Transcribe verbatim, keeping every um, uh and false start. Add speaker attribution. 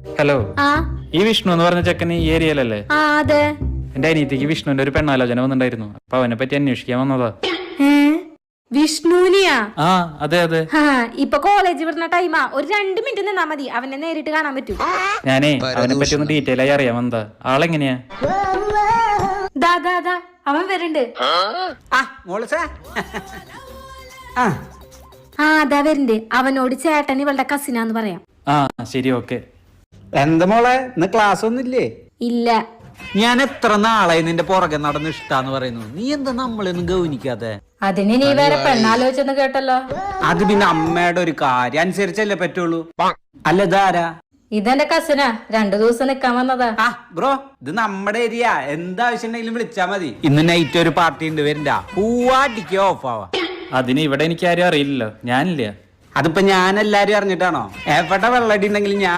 Speaker 1: Hello,
Speaker 2: ആ
Speaker 1: ഈ വിഷ്ണു എന്ന് പറഞ്ഞ ചെക്കൻ ഈ ഏരിയയിലല്ലേ?
Speaker 2: ആ അതെ.
Speaker 1: എന്റെ അനിയത്തിക്ക് വിഷ്ണുവിന്റെ ഒരു പെണ്ണാലോചന വന്നിട്ടുണ്ടായിരുന്നു. അപ്പൊ അവനെ പറ്റി അന്വേഷിക്കാൻ വന്നതാ.
Speaker 2: ഏ വിഷ്ണുവിനെയാ?
Speaker 1: ആ അതെ അതെ.
Speaker 2: ആ ഇപ്പൊ കോളേജ് വിടുന്ന ടൈമാ. ഒരു രണ്ട് മിനിറ്റ് നിന്നാ മതി, അവനെ നേരിട്ട് കാണാൻ പറ്റും.
Speaker 1: ഞാനേ അവനെ പറ്റി ഒന്ന് ഡീറ്റെയിൽ ആയി അറിയാൻ വന്നതാ. ആളെങ്ങനെയാ?
Speaker 2: ദാ ദാ ദാ അവൻ വരുന്നുണ്ട്. ആ അതാ വരുന്നുണ്ട്. അവനോട് ചേട്ടൻ ഇവളുടെ കസിനാന്ന് പറയാം.
Speaker 1: ആ ശരി, ഓക്കെ.
Speaker 3: എന്താ മോളെ, ഇന്ന് ക്ലാസ് ഒന്നുമില്ലേ?
Speaker 2: ഇല്ല,
Speaker 3: ഞാൻ എത്ര നാളായി നിന്റെ പുറകെ നടന്ന് ഇഷ്ടാന്ന് പറയുന്നു. നീ എന്താ നമ്മളൊന്നും ഗൗനിക്കാതെ?
Speaker 2: അതിന് നീ വേറെ പെണ്ണാലോചിച്ചെന്ന് കേട്ടല്ലോ.
Speaker 3: അത് പിന്നെ അമ്മയുടെ ഒരു കാര്യം അനുസരിച്ചല്ലേ പറ്റുള്ളൂ. അല്ല ഇതാരാ?
Speaker 2: ഇതെന്റെ കസിനാ, രണ്ടു ദിവസം നിക്കാൻ വന്നതാ.
Speaker 3: ആ ബ്രോ, ഇത് നമ്മുടെ ഏരിയ. എന്താവശ്യം ഉണ്ടെങ്കിലും വിളിച്ചാ മതി. ഇന്ന് നൈറ്റ് ഒരു പാർട്ടി ഉണ്ട്, വരണ്ട. പൂവാടിക്ക് ഓഫ് ആവാ.
Speaker 1: അതിന് ഇവിടെ എനിക്ക് ആരും അറിയില്ലല്ലോ, ഞാനില്ല.
Speaker 3: അതിപ്പോ ഞാൻ എല്ലാരും അറിഞ്ഞിട്ടാണോ? എവിടെ വെള്ളടി ഉണ്ടെങ്കിലും ഞാൻ